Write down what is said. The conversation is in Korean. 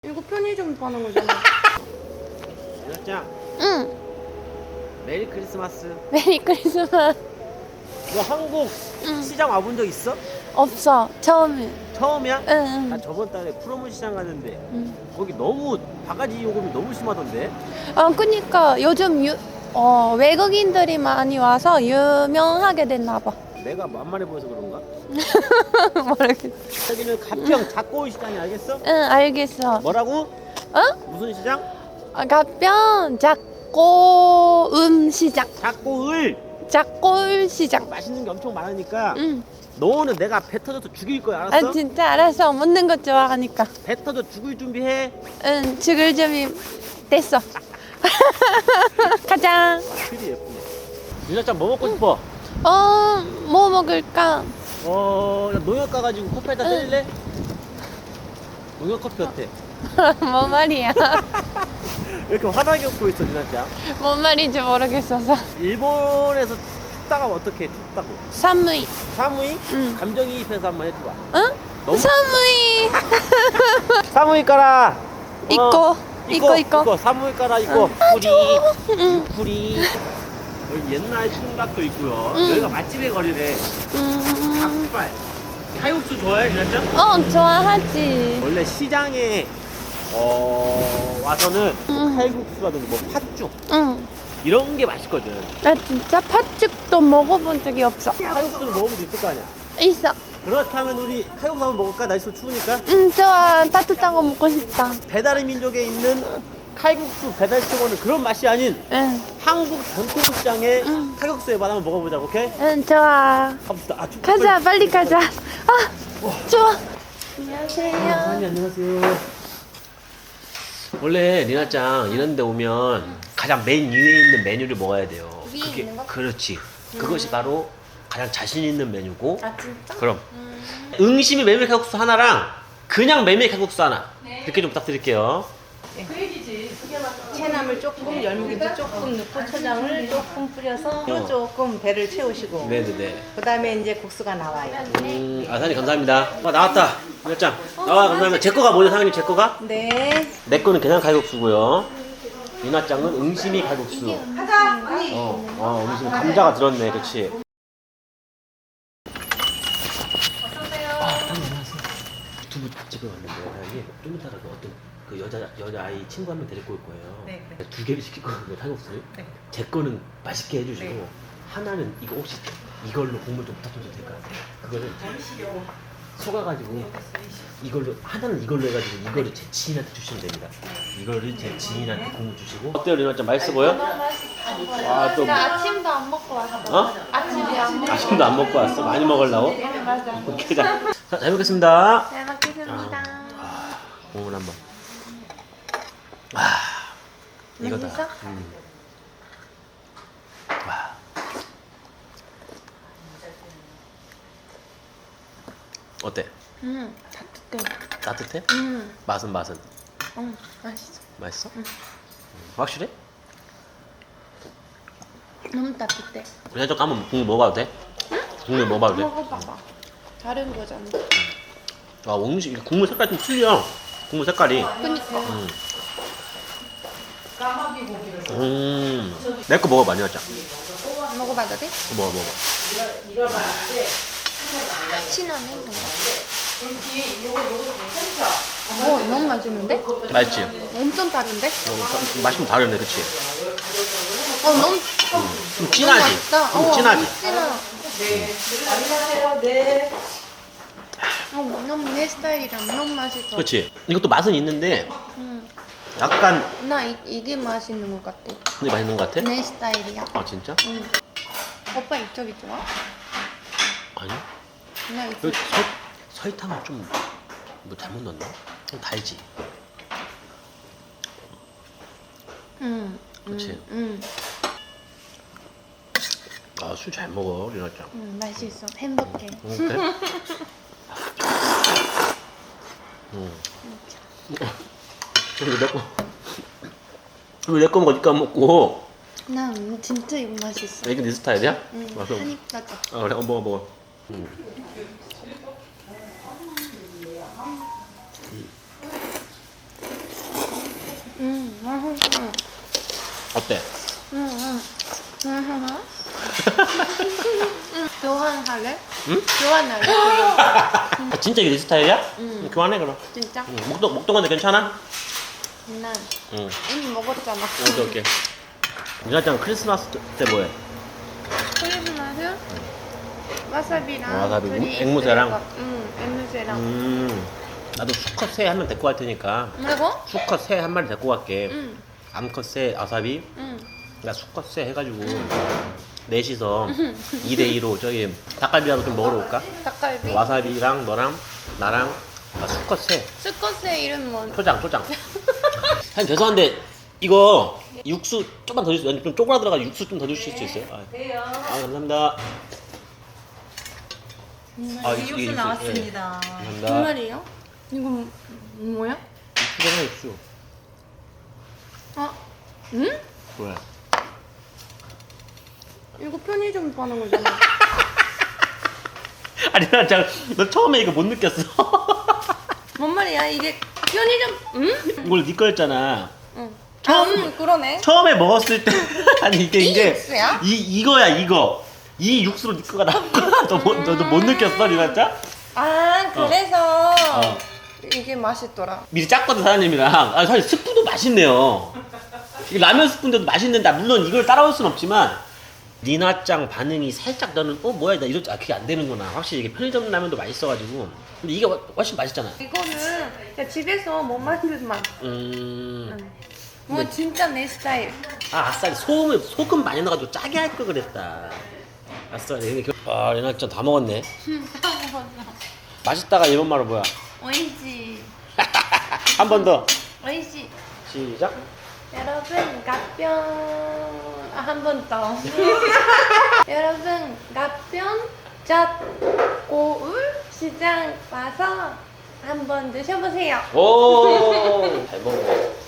이거 편의점 파는 거잖아. 여자짱 응. 메리 크리스마스. 메리 크리스마스. 너 한국 응. 시장 와본 적 있어? 없어. 처음에. 처음이야? 응. 나 저번 달에 프로문 시장 갔는데 응. 거기 너무 바가지 요금이 너무 심하던데. 그니까 요즘 외국인들이 많이 와서 유명하게 됐나 봐. 내가 만만해 보여서 그런가? 모르겠어. 여기는 가평 작고울 시장이 알겠어? 응, 알겠어. 뭐라고? 어? 무슨 시장? 가평 작고음 시장. 작고을. 작고울 시장. 맛있는 게 엄청 많으니까 응. 너는 내가 배 터져서 죽일 거야, 알았어? 아 진짜 알았어. 먹는 거 좋아하니까. 배 터져 죽을 준비해. 응, 죽을 준비 됐어. 가자. 글이 예쁘네. 유자짱 뭐 먹고 싶어? 뭐 먹을까? 나 농협 가가지고 커피에다 때릴래? 농협 커피 어때? 뭔 말이야? 왜 이렇게 화나게 웃고 있어, 유자짱? 뭔 말인지 모르겠어서. 일본에서 춥다가 어떻게 춥다고? 사무이. 사무이? 응. 감정이입해서 한번 해줘봐. 응? 너무- 사무이. 사무이 깔아. 이거. 사무이 깔아 이거. 뿌리. 응. 뿌리. 여기 옛날 총각도 있고요. 응. 여기가 맛집의 거리래. 닭발. 칼국수 좋아해, 유자짱? 좋아하지. 원래 시장에 와서는 응. 칼국수라든지 뭐 팥죽 응. 이런 게 맛있거든. 나 진짜 팥죽도 먹어본 적이 없어. 칼국수를 먹어볼 수 있을 거 아니야. 있어. 그렇다면 우리 칼국수 한번 먹을까? 날씨 추우니까. 응, 좋아. 따뜻한 거 먹고 싶다. 배달의 민족에 있는 칼국수 배달시켜보는 그런 맛이 아닌 응. 한국 전통시장의 응. 칼국수의 맛 한번 먹어보자고, 오케이? 응, 좋아. 갑시다. 아, 춥다. 가자, 빨리 가자. 좋아. 안녕하세요. 안녕하세요. 원래 리나짱 이런 데 오면 가장 맨 위에 있는 메뉴를 먹어야 돼요. 위에 있는 거? 그렇지. 그것이 바로 가장 자신 있는 메뉴고. 아, 진짜? 그럼 응심이 메밀 칼국수 하나랑 그냥 메밀 칼국수 하나 이렇게 좀 부탁드릴게요. 채나물 조금, 열무김치 조금 넣고 초장을 조금 뿌려서 조금 배를 채우시고 네네네. 그 다음에 이제 국수가 나와요. 사장님 감사합니다. 나왔다. 리나짱. 감사합니다. 제 거가 뭐죠, 사장님? 제 거가? 네. 내 거는 그냥 칼국수고요. 리나짱은 응심이 칼국수. 응심이 감자가 들었네, 그렇지? 유튜브 찍어 왔는데 사장님 좀 이따가 어떤 그 여자아이 친구 한 명 데리고 올 거예요. 네. 두 개를 시킬 거거든요, 칼국수. 네. 제 거는 맛있게 해주시고 네. 하나는 이거 혹시 이걸로 국물 좀 부탁드려도 될까요? 그거는 속아가지고 이걸로 하나는 이걸로 해가지고 이거를 제 지인한테 주시면 됩니다. 이거를 제 지인한테 국물 주시고. 어때요, 리나짱? 맛있어 보여? 아, 또 나 아침도 안 먹고 왔어. 어? 아침도 안 먹고. 아침도 안 먹고 왔어? 많이 먹으려고? 네, 맞아. 오케이, 자, 잘 먹겠습니다. 잘 먹겠습니다. 국물 한번. 이거다. 맛있어? 와. 어때? 따뜻해. 따뜻해? 맛은? 맛있어. 맛있어? 확실해? 너무 따뜻해. 그냥 좀 한번 국물 먹어봐도 돼? 국물 먹어봐도 돼? 먹어봐봐. 다른 거잖아. 음식 국물 색깔 좀 틀려. 국물 색깔이. 그니까. 내 거 먹어봐, 리나짱. 먹어봐도 돼? 먹어. 신나네. 너무 맛있는데? 맛있지? 엄청 다른데? 맛이 좀 다르네, 그치? 너무 좀 진하지? 맛있다. 좀 진하지? 너무 내 스타일이랑 너무 맛있어. 그치? 이것도 맛은 있는데 응. 약간 나 이게 맛있는 것 같아. 근데 맛있는 것 같아? 내 스타일이야. 아 진짜? 응. 오빠 이쪽이 좋아? 아니? 나 이쪽. 그 설탕을 좀 뭐 잘못 넣었나? 좀 달지? 응. 그치? 응. 술 잘 먹어, 리나짱. 응, 맛있어. 행복해. 그래? 왜 내 거 먹으니까 안 먹고? 나 진짜 이거 맛있어. 이게 네 스타일이야? 응. 맞아. 한입 따져. 그래, 먹어. 맛있어. 어때? 교환할래? 응? 교환할래? 진짜 이게 내 스타일이야? 응. 교환해 그럼. 진짜? 응. 목동한데 괜찮아? 난 응. 이미 먹었잖아. 오케이. 유나짱 크리스마스 때 뭐해? 크리스마스? 와사비랑 와사비, 둘이 앵무새랑? 있으니까. 응, 앵무새랑. 나도 수컷 새 한 마리 데리고 갈 테니까 뭐라고? 수컷 새 한 마리 데리고 갈게. 응, 암컷 새 와사비, 응. 나 수컷 새 해가지고 넷이서 2대2로 저기 닭갈비라도 좀 먹으러 올까? 닭갈비? 와사비랑 너랑 나랑 수컷 새 스컷의 이름 뭐? 초장. 사장님 죄송한데 이거 육수 좀만 더 주세요. 좀 쪼그라들어가 육수 좀 더 주실 수 있어요? 돼요. 감사합니다. 육수 육수, 나왔습니다. 예. 감사합니다. 정말이요? 이거 뭐야? 육수잖아 육수. 아, 응? 왜? 이거 편의점 파는 거잖아. 아니 너 처음에 이거 못 느꼈어. 뭔 말이야? 이게 편의점? 응? 이걸 네 거였잖아. 응. 처음- 그러네. 처음에 먹었을 때 아니 이게 이 이제 육수야? 이거야 이거. 이 육수로 네 거가 나온 거야. 너도 못 느꼈어 리나짱? 아, 그래서 어. 이게 맛있더라. 미리 짰거든 사장님이랑. 사실 스프도 맛있네요. 이 라면 스프인데도 맛있는데 물론 이걸 따라올 순 없지만 리나짱 반응이 살짝 너는 뭐야 나 이럴 그게 안 되는구나. 확실히 이게 편의점 라면도 맛있어가지고. 근데 이게 훨씬 맛있잖아. 이거는 그냥 집에서 못 만든 맛. 뭐 진짜 내 스타일. 아싸리 소금 많이 넣어가지고 짜게 할 걸 그랬다. 아싸리. 리나짱 다 먹었네. 다 먹었어. 맛있다가 이런 말은 뭐야? 오이시. 한 번 더. 오이시. 시작. 여러분 가평 한 번 더. 여러분 가평 잣고울 시장 와서 한번 드셔보세요. 오, 잘 먹네.